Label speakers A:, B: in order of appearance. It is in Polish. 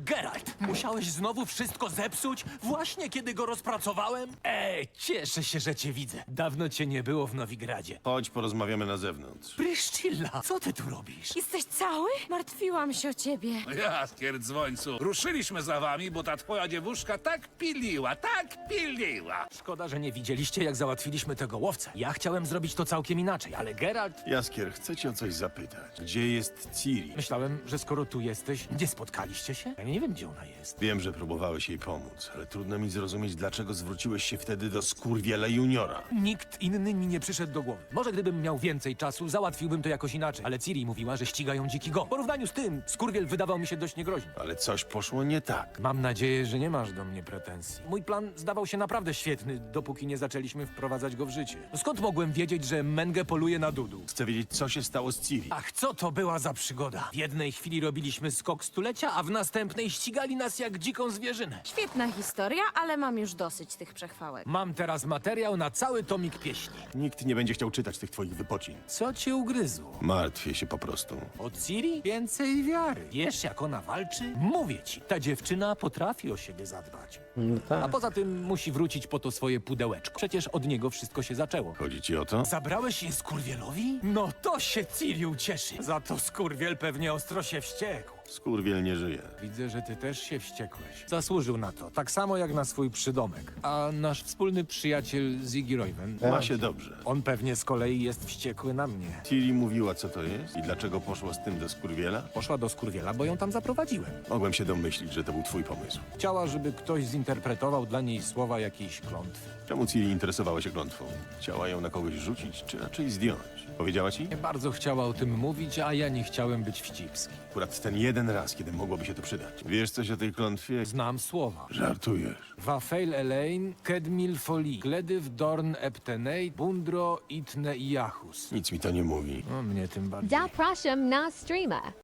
A: Geralt, musiałeś znowu wszystko zepsuć? Właśnie kiedy go rozpracowałem? Cieszę się, że cię widzę. Dawno cię nie było w Nowigradzie.
B: Chodź, porozmawiamy na zewnątrz.
A: Pryszcilla, co ty tu robisz?
C: Jesteś cały? Martwiłam się o ciebie.
D: Jaskier dzwońcu, ruszyliśmy za wami, bo ta twoja dziewuszka tak piliła.
A: Szkoda, że nie widzieliście, jak załatwiliśmy tego łowcę. Ja chciałem zrobić to całkiem inaczej, ale Geralt...
B: Jaskier, chcę cię o coś zapytać. Gdzie jest Ciri?
A: Myślałem, że skoro tu jesteś, nie spotkaliście się? Ja nie wiem, gdzie ona jest.
B: Wiem, że próbowałeś jej pomóc, ale trudno mi zrozumieć, dlaczego zwróciłeś się wtedy do Skurwiela Juniora.
A: Nikt inny mi nie przyszedł do głowy. Może gdybym miał więcej czasu, załatwiłbym to jakoś inaczej. Ale Ciri mówiła, że ścigają dziki gon. W porównaniu z tym, Skurwiel wydawał mi się dość niegroźny.
B: Ale coś poszło nie tak.
A: Mam nadzieję, że nie masz do mnie pretensji. Mój plan zdawał się naprawdę świetny, dopóki nie zaczęliśmy wprowadzać go w życie. Skąd mogłem wiedzieć, że Menge poluje na Dudu?
B: Chcę wiedzieć, co się stało z Ciri.
A: Ach, co to była za przygoda? W jednej chwili robiliśmy skok stulecia, a w następnej ścigali nas jak dziką zwierzynę.
C: Świetna historia, ale mam już dosyć tych przechwałek.
A: Mam teraz materiał na cały tomik pieśni.
B: Nikt nie będzie chciał czytać tych twoich wypocin.
A: Co cię ugryzło?
B: Martwię się po prostu.
A: Od Ciri? Więcej wiary. Wiesz, jak ona walczy? Mówię ci, ta dziewczyna potrafi o siebie zadbać.
E: No tak.
A: A poza tym musi wrócić po to swoje pudełeczko. Przecież od niego wszystko się zaczęło.
B: Chodzi ci o to?
A: Zabrałeś je Skurwielowi? No to się Ciri ucieszy. Za to Skurwiel pewnie ostro się wściekł.
B: Skurwiel nie żyje.
A: Widzę, że ty też się wściekłeś. Zasłużył na to, tak samo jak na swój przydomek. A nasz wspólny przyjaciel Ziggy Royven,
B: Ma się dobrze.
A: on pewnie z kolei jest wściekły na mnie.
B: Ciri mówiła, co to jest i dlaczego poszła z tym do Skurwiela?
A: Poszła do Skurwiela, bo ją tam zaprowadziłem.
B: Mogłem się domyślić, że to był twój pomysł.
A: Chciała, żeby ktoś zinterpretował dla niej słowa jakiejś klątwy.
B: Czemu Ciri interesowała się klątwą? Chciała ją na kogoś rzucić, czy raczej zdjąć? Powiedziała ci?
A: Nie bardzo chciała o tym mówić, a ja nie chciałem być wścibski.
B: Akurat ten jeden raz, kiedy mogłoby się to przydać. Wiesz coś o tej klątwie?
A: Znam słowa.
B: Żartujesz.
A: Wafel Elaine, Kedmil Foli, Gledyw Dorn Eptenei, Bundro Itne i Jachus.
B: Nic mi to nie mówi.
A: No mnie tym bardziej.
F: Zapraszam na streama.